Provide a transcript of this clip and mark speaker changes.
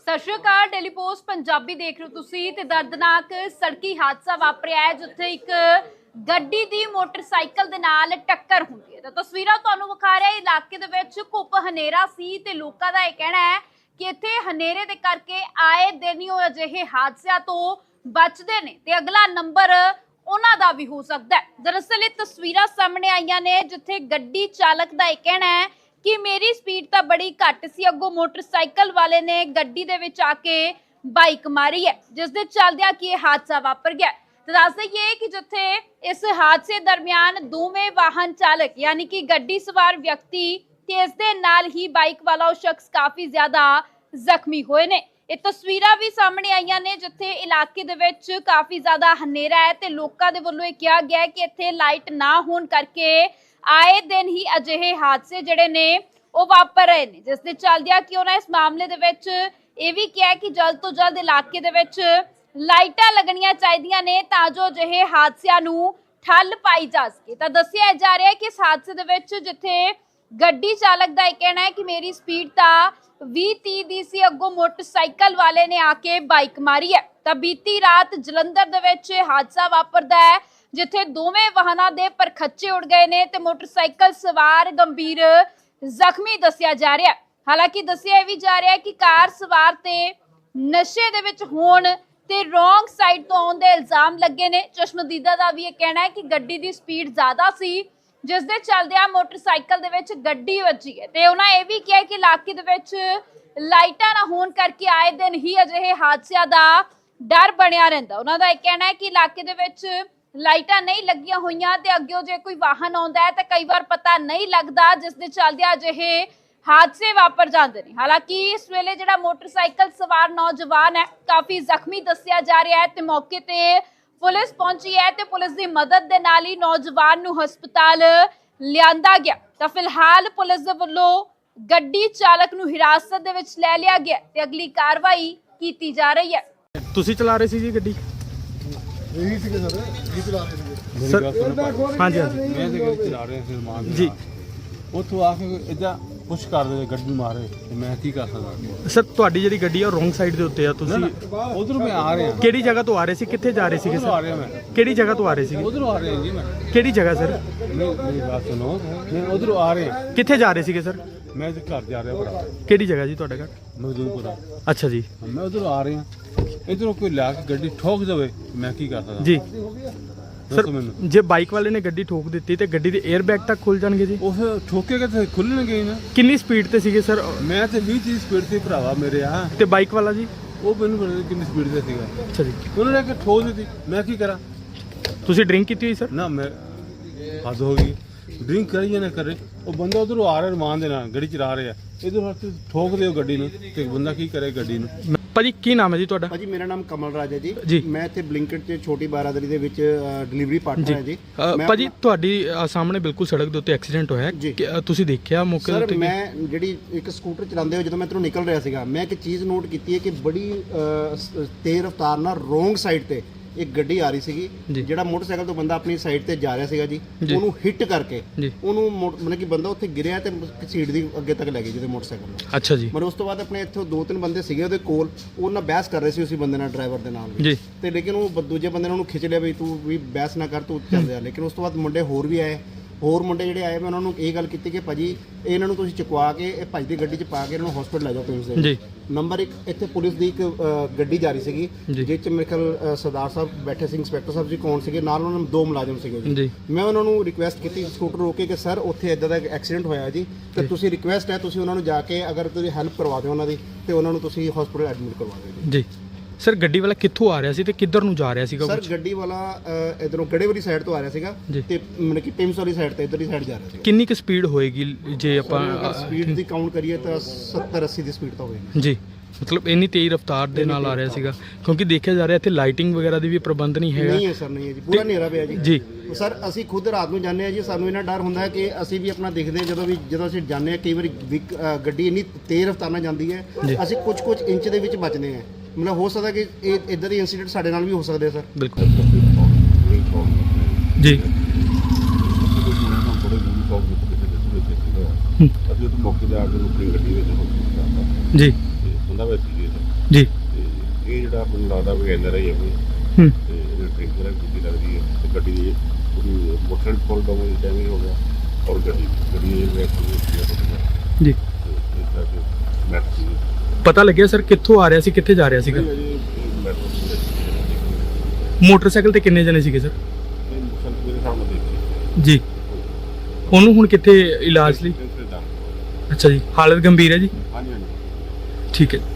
Speaker 1: ਸਤਿ ਸ਼੍ਰੀ ਅਕਾਲ। ਡੇਲੀ ਪੋਸਟ ਪੰਜਾਬੀ ਦੇਖ ਰਹੇ ਹੋ ਤੁਸੀਂ ਤੇ ਦਰਦਨਾਕ ਸੜਕੀ ਹਾਦਸਾ ਵਾਪਰਿਆ ਹੈ ਜਿੱਥੇ ਇੱਕ ਗੱਡੀ ਦੀ ਮੋਟਰਸਾਈਕਲ ਦੇ ਨਾਲ ਟੱਕਰ ਹੁੰਦੀ ਹੈ। ਤਾਂ ਤਸਵੀਰਾਂ ਤੁਹਾਨੂੰ ਵਿਖਾ ਰਿਹਾ ਇਲਾਕੇ ਦੇ ਵਿੱਚ ਘੁੱਪ ਹਨੇਰਾ ਸੀ ਤੇ ਲੋਕਾਂ ਦਾ ਇਹ ਕਹਿਣਾ ਹੈ ਕਿ ਇੱਥੇ ਹਨੇਰੇ ਦੇ ਕਰਕੇ ਆਏ ਦਿਨ ਹੀ ਉਹ ਅਜਿਹੇ ਹਾਦਸਿਆਂ ਤੋਂ ਬਚਦੇ ਨੇ ਤੇ ਅਗਲਾ ਨੰਬਰ ਉਹਨਾਂ ਦਾ ਵੀ ਹੋ ਸਕਦਾ ਹੈ। ਦਰਅਸਲ ਇਹ ਤਸਵੀਰਾਂ ਸਾਹਮਣੇ ਆਈਆਂ ਨੇ ਜਿੱਥੇ ਗੱਡੀ ਚਾਲਕ ਦਾ ਇਹ ਕਹਿਣਾ ਹੈ ਕਿ ਮੇਰੀ ਸਪੀਡ ਤਾਂ ਬੜੀ ਘੱਟ ਸੀ, ਅੱਗੋਂ ਮੋਟਰਸਾਈਕਲ ਵਾਲੇ ਨੇ ਗੱਡੀ ਦੇ ਵਿੱਚ ਆ ਕੇ ਬਾਈਕ ਮਾਰੀ ਹੈ ਜਿਸ ਦੇ ਚੱਲਦਿਆਂ ਕਿ ਇਹ ਹਾਦਸਾ ਵਾਪਰ ਗਿਆ। ਤਾਂ ਦੱਸ ਦਈਏ ਕਿ ਜਿੱਥੇ ਇਸ ਹਾਦਸੇ ਦਰਮਿਆਨ ਦੋਵੇਂ ਵਾਹਨ ਚਾਲਕ ਯਾਨੀ ਕਿ ਗੱਡੀ ਸਵਾਰ ਵਿਅਕਤੀ ਤੇ ਇਸ ਦੇ ਨਾਲ ਹੀ ਬਾਈਕ ਵਾਲਾ ਉਹ ਸ਼ਖਸ ਕਾਫੀ ਜ਼ਿਆਦਾ ਜ਼ਖਮੀ ਹੋਏ ਨੇ। ਇਹ ਤਸਵੀਰਾਂ ਵੀ ਸਾਹਮਣੇ ਆਈਆਂ ਨੇ ਜਿੱਥੇ ਇਲਾਕੇ ਦੇ ਵਿੱਚ ਕਾਫੀ ਜ਼ਿਆਦਾ ਹਨੇਰਾ ਹੈ ਤੇ ਲੋਕਾਂ ਦੇ ਵੱਲੋਂ ਇਹ ਕਿਹਾ ਗਿਆ ਕਿ ਇੱਥੇ ਲਾਈਟ ਨਾ ਹੋਣ ਕਰਕੇ ਆਏ ਦਿਨ ਹੀ ਅਜਿਹੇ ਹਾਦਸੇ ਜਿਹੜੇ ਨੇ ਉਹ ਵਾਪਰ ਰਹੇ ਨੇ ਜਿਸ ਦੇ ਚੱਲਦਿਆਂ ਕਿ ਉਹਨਾਂ ਇਸ ਮਾਮਲੇ ਦੇ ਵਿੱਚ ਇਹ ਵੀ ਕਿਹਾ ਕਿ ਜਲਦ ਤੋਂ ਜਲਦ ਇਲਾਕੇ ਦੇ ਵਿੱਚ ਲਾਈਟਾਂ ਲੱਗਣੀਆਂ ਚਾਹੀਦੀਆਂ ਨੇ ਤਾਂ ਜੋ ਅਜਿਹੇ ਹਾਦਸਿਆਂ ਨੂੰ ਠੱਲ ਪਾਈ ਜਾ ਸਕੇ। ਤਾਂ ਦੱਸਿਆ ਜਾ ਰਿਹਾ ਹੈ ਕਿ ਇਸ ਹਾਦਸੇ ਦੇ ਵਿੱਚ ਜਿੱਥੇ ਗੱਡੀ ਚਾਲਕ ਦਾ ਇਹ ਕਹਿਣਾ ਹੈ ਕਿ ਮੇਰੀ ਸਪੀਡ ਤਾਂ 20-30 ਦੀ ਸੀ, ਅੱਗੋਂ ਮੋਟਰਸਾਈਕਲ ਵਾਲੇ ਨੇ ਆ ਕੇ ਬਾਈਕ ਮਾਰੀ ਹੈ। ਤਾਂ ਬੀਤੀ ਰਾਤ ਜਲੰਧਰ ਦੇ ਵਿੱਚ ਹਾਦਸਾ ਵਾਪਰਦਾ ਹੈ ਜਿੱਥੇ ਦੋਵੇਂ ਵਾਹਨਾਂ ਦੇ ਪਰਖੱਚੇ ਉੱਡ ਗਏ ਨੇ ਤੇ ਮੋਟਰਸਾਈਕਲ ਸਵਾਰ ਗੰਭੀਰ ਜ਼ਖਮੀ ਦੱਸਿਆ ਜਾ ਰਿਹਾ। ਹਾਲਾਂਕਿ ਦੱਸਿਆ ਇਹ ਵੀ ਜਾ ਰਿਹਾ ਕਿ ਕਾਰ ਸਵਾਰ ਤੇ ਨਸ਼ੇ ਦੇ ਵਿੱਚ ਹੋਣ ਤੇ ਰੋਂਗ ਸਾਈਡ ਤੋਂ ਆਉਣ ਦੇ ਇਲਜ਼ਾਮ ਲੱਗੇ ਨੇ। ਚਸ਼ਮਦੀਦਾ ਦਾ ਵੀ ਇਹ ਕਹਿਣਾ ਹੈ ਕਿ ਗੱਡੀ ਦੀ ਸਪੀਡ ਜ਼ਿਆਦਾ ਸੀ ਜਿਸ ਦੇ ਚੱਲਦਿਆਂ ਮੋਟਰਸਾਈਕਲ ਦੇ ਵਿੱਚ ਗੱਡੀ ਵੱਜੀ ਹੈ ਤੇ ਉਹਨਾਂ ਇਹ ਵੀ ਕਿਹਾ ਕਿ ਇਲਾਕੇ ਦੇ ਵਿੱਚ ਲਾਈਟਾਂ ਨਾ ਹੋਣ ਕਰਕੇ ਆਏ ਦਿਨ ਹੀ ਅਜਿਹੇ ਹਾਦਸਿਆਂ ਦਾ ਡਰ ਬਣਿਆ ਰਹਿੰਦਾ। ਉਹਨਾਂ ਦਾ ਇਹ ਕਹਿਣਾ ਹੈ ਕਿ ਇਲਾਕੇ ਦੇ ਵਿੱਚ ਲਾਈਟਾਂ ਨਹੀਂ ਲੱਗੀਆਂ ਹੋਈਆਂ ਤੇ ਅੱਗੇ ਜੇ ਕੋਈ ਵਾਹਨ ਆਉਂਦਾ ਹੈ ਤਾਂ ਕਈ ਵਾਰ ਪਤਾ ਨਹੀਂ ਲੱਗਦਾ ਜਿਸ ਦੇ ਚੱਲਦਿਆਂ ਅਜਿਹੇ ਹਾਦਸੇ ਵਾਪਰ ਜਾਂਦੇ ਨੇ। ਹਾਲਾਂਕਿ ਇਸ ਵੇਲੇ ਜਿਹੜਾ ਮੋਟਰਸਾਈਕਲ ਸਵਾਰ ਨੌਜਵਾਨ ਹੈ ਕਾਫੀ ਜ਼ਖਮੀ ਦੱਸਿਆ ਜਾ ਰਿਹਾ ਹੈ ਤੇ ਮੌਕੇ ਤੇ ਪੁਲਿਸ ਪਹੁੰਚੀ ਹੈ ਤੇ ਪੁਲਿਸ ਦੀ ਮਦਦ ਦੇ ਨਾਲ ਹੀ ਨੌਜਵਾਨ ਨੂੰ ਹਸਪਤਾਲ ਲਿਆਂਦਾ ਗਿਆ। ਤਾਂ ਫਿਲਹਾਲ ਪੁਲਿਸ ਦੇ ਵੱਲੋਂ ਗੱਡੀ ਚਾਲਕ ਨੂੰ ਹਿਰਾਸਤ ਦੇ ਵਿੱਚ ਲੈ ਲਿਆ ਗਿਆ ਤੇ ਅਗਲੀ ਕਾਰਵਾਈ ਕੀਤੀ ਜਾ ਰਹੀ ਹੈ।
Speaker 2: ਤੁਸੀਂ ਚਲਾ ਰਹੇ ਸੀ ਜੀ ਗੱਡੀ?
Speaker 3: ਇਹੀ ਸੀਗੇ ਸਰ, ਇਹ ਚਲਾ ਰਹੇ ਸੀਗੇ
Speaker 2: ਸਰ ਹਾਂਜੀ ਹਾਂਜੀ
Speaker 3: ਮੈਂ ਤੇ ਗੱਡੀ ਚਲਾ ਰਿਹਾ ਸੀ ਮਾਂ
Speaker 2: ਜੀ।
Speaker 3: ਉੱਥੋਂ ਆ ਕੇ ਇਦਾਂ ਪੁਸ਼ ਕਰ ਦੇ ਗੱਡੀ ਮਾਰੇ ਤੇ ਮੈਂ ਕੀ ਕਰ ਸਕਦਾ
Speaker 2: ਸਰ ਤੁਹਾਡੀ ਜਿਹੜੀ ਗੱਡੀ ਆ ਰੋਂਗ ਸਾਈਡ ਦੇ ਉੱਤੇ ਆ, ਤੁਸੀਂ
Speaker 3: ਉਧਰੋਂ ਮੈਂ ਆ ਰਿਹਾ
Speaker 2: ਕਿਹੜੀ ਜਗ੍ਹਾ ਤੋਂ ਆ ਰਹੇ ਸੀ, ਕਿੱਥੇ ਜਾ ਰਹੇ ਸੀਗੇ
Speaker 3: ਉਧਰੋਂ ਆ
Speaker 2: ਸਰ?
Speaker 3: ਰਿਹਾ ਮੈਂ
Speaker 2: ਕਿਹੜੀ ਜਗ੍ਹਾ ਤੋਂ ਆ ਰਹੇ ਸੀਗੇ?
Speaker 3: ਉਧਰੋਂ ਆ ਰਿਹਾ ਜੀ ਮੈਂ
Speaker 2: ਕਿਹੜੀ ਜਗ੍ਹਾ ਸਰ?
Speaker 3: ਮੇਰੀ ਬਾਤ ਸੁਣੋ, ਮੈਂ ਉਧਰੋਂ ਆ ਰਿਹਾ,
Speaker 2: ਕਿੱਥੇ ਜਾ ਰਹੇ ਸੀਗੇ ਸਰ?
Speaker 3: ਮੈਂ ਤੇ ਘਰ ਜਾ ਰਿਹਾ ਭਰਾ
Speaker 2: ਕਿਹੜੀ ਜਗ੍ਹਾ ਜੀ ਤੁਹਾਡਾ ਘਰ?
Speaker 3: ਮਜ਼ਦੂਰਪੁਰਾ।
Speaker 2: ਅੱਛਾ ਜੀ
Speaker 3: ਮੈਂ ਉਧਰੋਂ ਆ ਰਿਹਾ, ਇਧਰੋਂ ਕੋਈ ਲਿਆ ਕੇ ਗੱਡੀ ਠੋਕ ਦੇਵੇ ਮੈਂ ਕੀ ਕਰ ਸਕਦਾ
Speaker 2: ਜੀ। ਸਰ
Speaker 3: ਦੱਸੋ ਮੈਨੂੰ।
Speaker 2: ਜੇ ਬਾਈਕ ਵਾਲੇ ਨੇ ਗੱਡੀ ਠੋਕ ਦਿੱਤੀ ਤੇ ਗੱਡੀ ਦੇ 에ਅਰ ਬੈਗ ਤੱਕ ਖੁੱਲ ਜਾਣਗੇ ਜੀ?
Speaker 3: ਉਹ ਠੋਕੇਗਾ ਤੇ ਖੁੱਲਣਗੇ ਹੀ ਨਾ।
Speaker 2: ਕਿੰਨੀ ਸਪੀਡ ਤੇ ਸੀਗੇ ਸਰ?
Speaker 3: ਮੈਂ ਤੇ 20-30 ਸਪੀਡ ਤੇ ਭਰਾਵਾ ਮੇਰੇ ਆ,
Speaker 2: ਤੇ ਬਾਈਕ ਵਾਲਾ ਜੀ?
Speaker 3: ਉਹ ਮੈਨੂੰ ਪਤਾ ਨਹੀਂ ਕਿੰਨੀ ਸਪੀਡ ਤੇ ਸੀਗਾ।
Speaker 2: ਅੱਛਾ ਜੀ।
Speaker 3: ਉਹਨਾਂ ਨੇ ਕਿ ਠੋਕ ਦਿੱਤੀ, ਮੈਂ ਕੀ ਕਰਾਂ?
Speaker 2: ਤੁਸੀਂ ਡਰਿੰਕ ਕੀਤੀ ਹੋਈ ਸਰ?
Speaker 3: ਨਾ ਮੈਂ ਹੱਦ ਹੋ ਗਈ, ਡਰਿੰਕ ਕਰੀ ਜਾਂ ਨਾ ਕਰੇ। ਉਹ ਬੰਦਾ ਉਧਰੋਂ ਆ ਰਿਹਾ ਰਮਾਨ ਦੇ ਨਾਲ ਗੱਡੀ ਚਲਾ ਰਿਹਾ, ਇਧਰ ਠੋਕ ਦਿਓ ਗੱਡੀ ਨੂੰ ਤੇ ਬੰਦਾ ਕੀ ਕਰੇ ਗੱਡੀ ਨੂੰ।
Speaker 2: ਭਾਜੀ ਕੀ ਨਾਮ ਹੈ ਜੀ ਤੁਹਾਡਾ?
Speaker 4: ਭਾਜੀ ਮੇਰਾ ਨਾਮ ਕਮਲ ਰਾਜ ਹੈ
Speaker 2: ਜੀ।
Speaker 4: ਜੀ। ਮੈਂ ਇੱਥੇ ਬਲਿੰਕਟ 'ਚ ਛੋਟੀ ਬਾਰਾਦਰੀ ਦੇ ਵਿੱਚ ਡਿਲੀਵਰੀ ਪਾਰਟਨਰ ਹੈ ਜੀ।
Speaker 2: ਭਾਜੀ ਤੁਹਾਡੀ ਸਾਹਮਣੇ ਬਿਲਕੁਲ ਸੜਕ ਦੇ ਉੱਤੇ ਐਕਸੀਡੈਂਟ ਹੋਇਆ ਹੈ, ਤੁਸੀਂ ਦੇਖਿਆ ਮੌਕੇ ਦੇ ਉੱਤੇ?
Speaker 4: ਸਰ ਮੈਂ ਜਿਹੜੀ ਇੱਕ ਸਕੂਟਰ ਚਲਾਉਂਦੇ ਹੋਏ ਜਦੋਂ ਮੈਂ ਇੱਧਰੋਂ ਨਿਕਲ ਰਿਹਾ ਸੀਗਾ, ਮੈਂ ਇੱਕ ਚੀਜ਼ ਨੋਟ ਕੀਤੀ ਹੈ ਕਿ ਬੜੀ ਤੇਜ਼ ਰਫ਼ਤਾਰ ਨਾਲ ਰੋਂਗ ਸਾਈਡ ਤੇ ਇੱਕ ਗੱਡੀ ਆ ਰਹੀ ਸੀਗੀ। ਜਿਹੜਾ ਮੋਟਰਸਾਈਕਲ ਤੋਂ ਬੰਦਾ ਆਪਣੀ ਸਾਈਡ ਤੇ ਜਾ ਰਿਹਾ ਸੀਗਾ ਜੀ, ਉਹਨੂੰ ਹਿੱਟ ਕਰਕੇ ਉਹਨੂੰ ਮਤਲਬ ਕਿ ਬੰਦਾ ਉੱਥੇ ਗਿਰਿਆ ਤੇ ਸੀਟ ਦੀ ਅੱਗੇ ਤੱਕ ਲੈ ਗਈ ਜਿਹਦੇ ਮੋਟਰਸਾਈਕਲ ਨੂੰ।
Speaker 2: ਅੱਛਾ ਜੀ।
Speaker 4: ਮਤਲਬ ਉਸ ਤੋਂ ਬਾਅਦ ਆਪਣੇ ਇੱਥੋਂ 2-3 ਬੰਦੇ ਸੀਗੇ ਉਹਦੇ ਕੋਲ, ਉਹ ਨਾਲ ਬਹਿਸ ਕਰ ਰਹੇ ਸੀ ਉਸੇ ਬੰਦੇ ਨਾਲ, ਡਰਾਈਵਰ ਦੇ ਨਾਲ
Speaker 2: ਜੀ।
Speaker 4: ਤੇ ਲੇਕਿਨ ਉਹ ਦੂਜੇ ਬੰਦੇ ਨੇ ਉਹਨੂੰ ਖਿੱਚ ਲਿਆ ਵੀ ਤੂੰ ਵੀ ਬਹਿਸ ਨਾ ਕਰ, ਤੂੰ ਚੱਲ ਜਾ। ਲੇਕਿਨ ਉਸ ਤੋਂ ਬਾਅਦ ਮੁੰਡੇ ਹੋਰ ਵੀ ਆਏ, ਹੋਰ ਮੁੰਡੇ ਜਿਹੜੇ ਆਏ ਮੈਂ ਉਹਨਾਂ ਨੂੰ ਇਹ ਗੱਲ ਕੀਤੀ ਕਿ ਭਾਜੀ ਇਹਨਾਂ ਨੂੰ ਤੁਸੀਂ ਚੁਕਵਾ ਕੇ ਇਹ ਭਾਜੀ ਦੀ ਗੱਡੀ 'ਚ ਪਾ ਕੇ ਇਹਨਾਂ ਨੂੰ ਹਸਪੀਟਲ ਲੈ ਜਾਓ ਪਿੰਡ ਦੇ।
Speaker 2: ਜੀ।
Speaker 4: ਨੰਬਰ 1 ਇੱਥੇ ਪੁਲਿਸ ਦੀ ਇੱਕ ਗੱਡੀ ਜਾ ਰਹੀ ਸੀਗੀ ਜਿਸ 'ਚ ਮੇਰੇ ਖਿਆਲ ਸਰਦਾਰ ਸਾਹਿਬ ਬੈਠੇ ਸੀ, ਇੰਸਪੈਕਟਰ ਸਾਹਿਬ ਜੀ ਕੌਣ ਸੀਗੇ, ਨਾਲ ਉਹਨਾਂ ਨੂੰ 2 ਮੁਲਾਜ਼ਮ ਸੀਗੇ ਜੀ। ਮੈਂ ਉਹਨਾਂ ਨੂੰ ਰਿਕੁਐਸਟ ਕੀਤੀ ਸਕੂਟਰ ਰੋਕ ਕੇ ਕਿ ਸਰ ਉੱਥੇ ਇੱਦਾਂ ਦਾ ਐਕਸੀਡੈਂਟ ਹੋਇਆ ਜੀ, ਤੇ ਤੁਸੀਂ ਰਿਕੁਐਸਟ ਹੈ ਤੁਸੀਂ ਉਹਨਾਂ ਨੂੰ ਜਾ ਕੇ ਅਗਰ ਤੁਸੀਂ ਹੈਲਪ ਕਰਵਾ ਦਿਓ ਉਹਨਾਂ ਦੀ ਤੇ ਉਹਨਾਂ ਨੂੰ ਤੁਸੀਂ ਹਸਪੀਟਲ ਐਡਮਿਟ ਕਰਵਾ ਦਿਓ ਜੀ।
Speaker 2: ਸਰ ਗੱਡੀ ਵਾਲਾ ਕਿੱਥੋਂ ਆ ਰਿਹਾ ਸੀ ਤੇ ਕਿੱਧਰ ਨੂੰ ਜਾ ਰਿਹਾ ਸੀਗਾ?
Speaker 4: ਸਰ ਗੱਡੀ ਵਾਲਾ ਇਧਰੋਂ ਗੜੇ ਵਾਲੀ ਸਾਈਡ ਤੋਂ ਆ ਰਿਹਾ ਸੀਗਾ ਤੇ ਮਤਲਬ ਕਿ ਪਿੰਸ ਵਾਲੀ ਸਾਈਡ ਤੇ ਇਧਰਲੀ ਸਾਈਡ ਜਾ ਰਿਹਾ ਸੀ।
Speaker 2: ਕਿੰਨੀ ਕੁ ਸਪੀਡ ਹੋਏਗੀ ਜੇ ਆਪਾਂ
Speaker 4: ਸਪੀਡ ਦੀ ਕਾਊਂਟ ਕਰੀਏ ਤਾਂ 70-80 ਦੀ ਸਪੀਡ ਤਾਂ ਹੋਏਗੀ
Speaker 2: ਜੀ। ਮਤਲਬ ਇੰਨੀ ਤੇਜ਼ ਰਫ਼ਤਾਰ ਦੇ ਨਾਲ ਆ ਰਿਹਾ ਸੀਗਾ, ਕਿਉਂਕਿ ਦੇਖਿਆ ਜਾ ਰਿਹਾ ਇੱਥੇ ਲਾਈਟਿੰਗ ਵਗੈਰਾ ਦੀ ਵੀ ਪ੍ਰਬੰਧ ਨਹੀਂ ਹੈਗਾ।
Speaker 4: ਨਹੀਂ ਹੈ ਸਰ, ਨਹੀਂ ਹੈ ਜੀ, ਪੂਰਾ ਹਨੇਰਾ ਪਿਆ ਜੀ।
Speaker 2: ਜੀ
Speaker 4: ਸਰ ਅਸੀਂ ਖੁਦ ਰਾਤ ਨੂੰ ਜਾਂਦੇ ਆ ਜੀ, ਸਾਨੂੰ ਇਹਨਾਂ ਡਰ ਹੁੰਦਾ ਕਿ ਅਸੀਂ ਵੀ ਆਪਣਾ ਦੇਖਦੇ ਹਾਂ ਜਦੋਂ ਅਸੀਂ ਜਾਂਦੇ ਆ, ਕਈ ਵਾਰੀ ਗੱਡੀ ਇੰਨੀ ਤੇਜ਼ ਰਫ਼ਤਾਰ ਨਾਲ ਜਾਂਦੀ ਹੈ ਅਸੀਂ ਕੁਝ ਇੰਚ ਦੇ ਵਿੱਚ ਬਚਦੇ ਹਾਂ। ਮਤਲਬ ਹੋ ਸਕਦਾ ਕਿ ਇਹ ਇਦਾਂ ਦੇ ਇਨਸੀਡੈਂਟ ਸਾਡੇ ਨਾਲ ਵੀ ਹੋ ਸਕਦੇ ਸਰ।
Speaker 2: ਬਿਲਕੁਲ ਜੀ।
Speaker 3: ਅਸੀਂ ਉਹ ਮੌਕੇ ਤੇ ਆ ਕੇ ਆਪਣੀ ਗੱਡੀ ਵਿੱਚ
Speaker 2: ਜੀ
Speaker 3: ਬੰਦਾ ਵਿੱਚ ਸੀਗੇ
Speaker 2: ਜੀ
Speaker 5: ਤੇ ਇਹ ਜਿਹੜਾ ਮੈਨੂੰ ਲੱਗਦਾ ਵੀ ਐਨਆਰਆਈ ਹੈ ਕੋਈ
Speaker 2: ਹੂੰ
Speaker 5: ਤੇ ਇਹ ਡਰਿੰਕਰ ਹੈ, ਗੱਡੀ ਲੱਗਦੀ ਹੈ ਤੇ ਗੱਡੀ ਦੀ ਪੂਰੀ ਮੋਟਰ ਫੁੱਲ ਡੈਮੇਜ ਹੋ ਗਿਆ ਔਰ ਗੱਡੀ ਇਹ ਵੈਕ
Speaker 2: ਜੀ
Speaker 5: ਇਸ ਕਰਕੇ ਮੈਟ ਸੀ
Speaker 2: ਪਤਾ ਲੱਗਿਆ ਸਰ ਕਿੱਥੋਂ ਆ ਰਿਹਾ ਸੀ ਕਿੱਥੇ ਜਾ ਰਿਹਾ ਸੀਗਾ?
Speaker 5: ਅਜੇ ਮੈਟਰੋ
Speaker 2: ਮੋਟਰਸਾਈਕਲ ਤੇ ਕਿੰਨੇ ਜਣੇ ਸੀਗੇ ਸਰ?
Speaker 5: ਮੇਰੇ ਸਾਹਮਣੇ ਦੇਖੀ
Speaker 2: ਜੀ ਉਹਨੂੰ ਹੁਣ ਕਿੱਥੇ ਇਲਾਜ ਲਈ? ਅੱਛਾ ਜੀ, ਹਾਲਤ ਗੰਭੀਰ ਹੈ ਜੀ?
Speaker 5: ਹਾਂਜੀ ਹਾਂਜੀ
Speaker 2: ਠੀਕ ਹੈ।